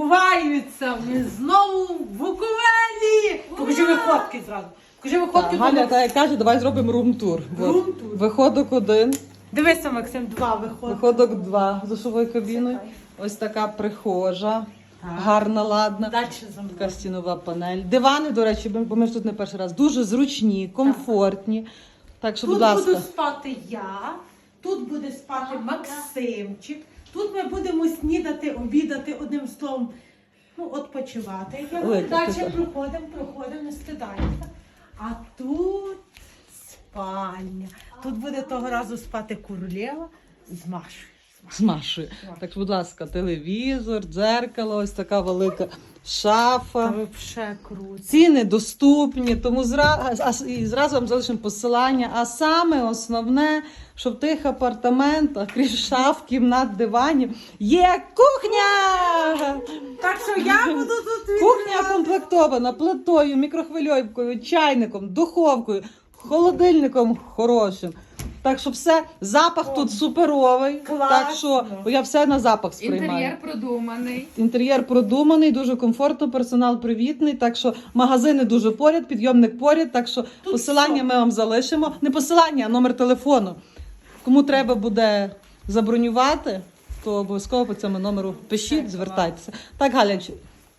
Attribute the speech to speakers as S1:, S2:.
S1: Ховаються ми знову в Буковелі. Покажи виходки зразу. Покажи виходки.
S2: Галя так як каже, давай зробимо рум-тур.
S1: Рум-тур.
S2: Виходок 1,
S1: Дивися, Максим, 2 виходки.
S2: виходок 2 з душовою кабіною. Ось така прихожа, гарна, ладна.
S1: Далі за мною.
S2: Така стінова панель. Дивани, до речі, бо ми ж тут не перший раз. Дуже зручні, комфортні. Так що,
S1: Тут
S2: будь ласка.
S1: буду спати я, тут буде спати Максимчик, тут ми будемо снідати, обідати, одним словом, ну, відпочивати. Як
S2: Ой,
S1: ми далі
S2: красота.
S1: проходимо, не стидаємося. А тут спальня. Тут буде того разу спати королева з Машою.
S2: Змашує. Так що, будь ласка, телевізор, дзеркало, ось така велика шафа.
S1: Та взагалі круто.
S2: Ціни доступні, тому і зразу вам залишимо посилання. А саме основне, що в тих апартаментах, крім шаф, кімнат, диванів, є кухня!
S1: Так що я буду тут
S2: Кухня комплектована плитою, мікрохвильовкою, чайником, духовкою, холодильником хорошим. Так що все, запах тут суперовий.
S1: Класно.
S2: Так що я все на запах сприймаю.
S3: Інтер'єр продуманий.
S2: Інтер'єр продуманий, дуже комфортно, персонал привітний. Так що магазини дуже поряд, підйомник поряд. Так що посилання ми вам залишимо. Не посилання, а номер телефону. Кому треба буде забронювати, то обов'язково по цьому номеру пишіть, звертайтеся. Так, Галя,